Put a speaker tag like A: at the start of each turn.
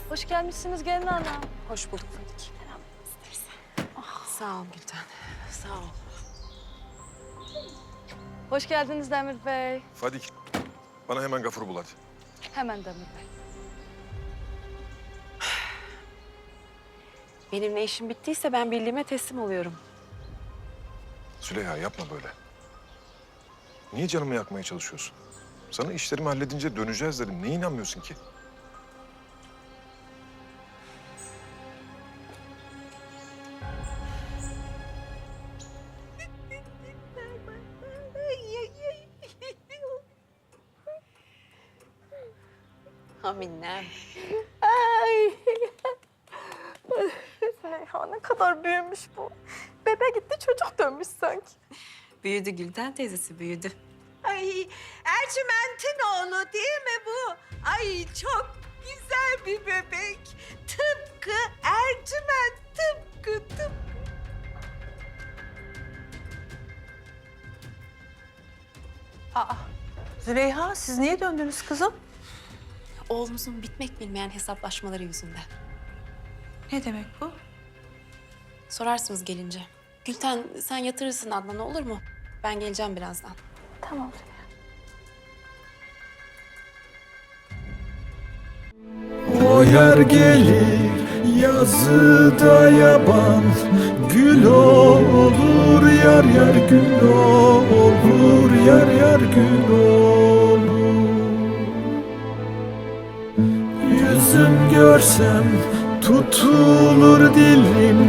A: Hoş gelmişsiniz gelin ana.
B: Hoş bulduk Fadik. Sağ ol Gülten. Sağ ol.
A: Hoş geldiniz Demir Bey.
C: Fadik, bana hemen Gafur'u bul hadi.
A: Hemen Demir Bey.
B: Benimle işim bittiyse ben birliğime teslim oluyorum.
C: Züleyha yapma böyle. Niye canımı yakmaya çalışıyorsun? Sana işlerimi halledince döneceğiz dedim. Neye inanmıyorsun ki?
B: Aminem.
D: Ay. Züleyha ne kadar büyümüş bu. Bebe gitti çocuk dönmüş sanki.
B: Büyüdü Gülten teyzesi, büyüdü.
E: Ay Ercüment'in oğlu değil mi bu? Ay çok güzel bir bebek. Tıpkı Ercüment, tıpkı.
D: Züleyha siz niye döndünüz kızım?
B: Oğlumuzun bitmek bilmeyen hesaplaşmaları yüzünden.
D: Ne demek bu?
B: Sorarsınız gelince. Gülten sen yatırırsın Adnan'ı, olur mu? Ben geleceğim birazdan.
D: Tamam.
F: O yer gelir yazıda yaban, gül olur yar yar gül olur yar yar gül olur. Yüzüm görsem tutulur dilim.